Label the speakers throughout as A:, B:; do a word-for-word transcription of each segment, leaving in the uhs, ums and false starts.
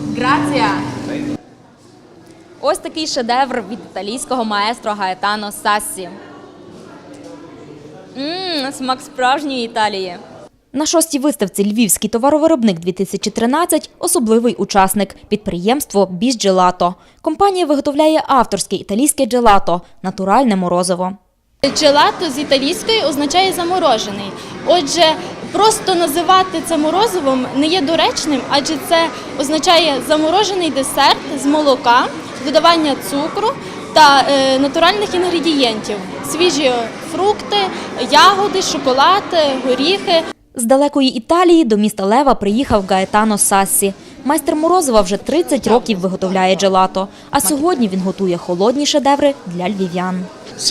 A: Грація!
B: Ось такий шедевр від італійського маестро Гаетано Сассі. Ммм, смак справжньої Італії. На шостій виставці «Львівський товаровиробник-дві тисячі тринадцять» особливий учасник – підприємство «Біс Джелато». Компанія виготовляє авторське італійське джелато – натуральне морозиво.
C: Джелато з італійської означає заморожений. Отже, просто називати це морозивом не є доречним, адже це означає заморожений десерт з молока, додавання цукру та е, натуральних інгредієнтів – свіжі фрукти, ягоди, шоколад, горіхи.
B: З далекої Італії до міста Лева приїхав Гаетано Сассі. Майстер морозива вже тридцять років виготовляє джелато, а сьогодні він готує холодні шедеври для львів'ян.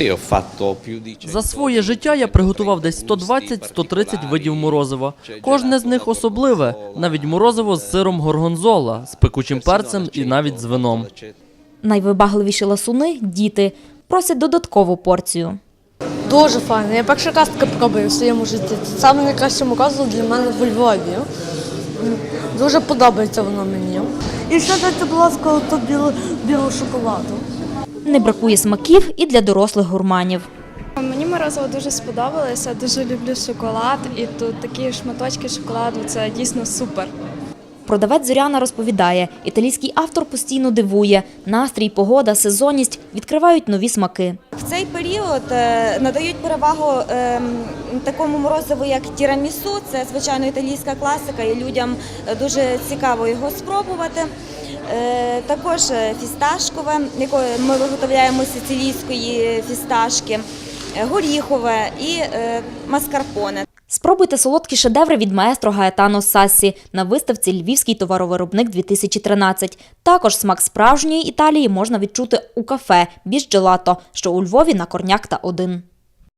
D: За своє життя я приготував десь сто двадцять - сто тридцять видів морозива. Кожне з них особливе, навіть морозиво з сиром горгонзола, з пекучим перцем і навіть з вином.
B: Найвибагливіші ласуни – діти. Просять додаткову порцію.
E: Дуже файно. Я перший раз таке пробую в своєму житті. Це саме найкраще морозиво для мене в Львові. Дуже подобається воно мені. І ще дайте, будь ласка, тут білу, білу шоколаду.
B: Не бракує смаків і для дорослих гурманів.
F: Мені морозиво дуже сподобалося, дуже люблю шоколад, і тут такі шматочки шоколаду – це дійсно супер.
B: Продавець Зоряна розповідає, італійський автор постійно дивує. Настрій, погода, сезонність відкривають нові смаки.
G: В цей період надають перевагу такому морозиву, як тірамісу. Це, звичайно, італійська класика, і людям дуже цікаво його спробувати. Також фісташкове, яке ми виготовляємо з сицилійської фісташки, горіхове і маскарпоне.
B: Спробуйте солодкі шедеври від маестро Гаетано Сассі на виставці «Львівський товаровиробник-дві тисячі тринадцять». Також смак справжньої Італії можна відчути у кафе «Біс Джелато», що у Львові на Корняк та один.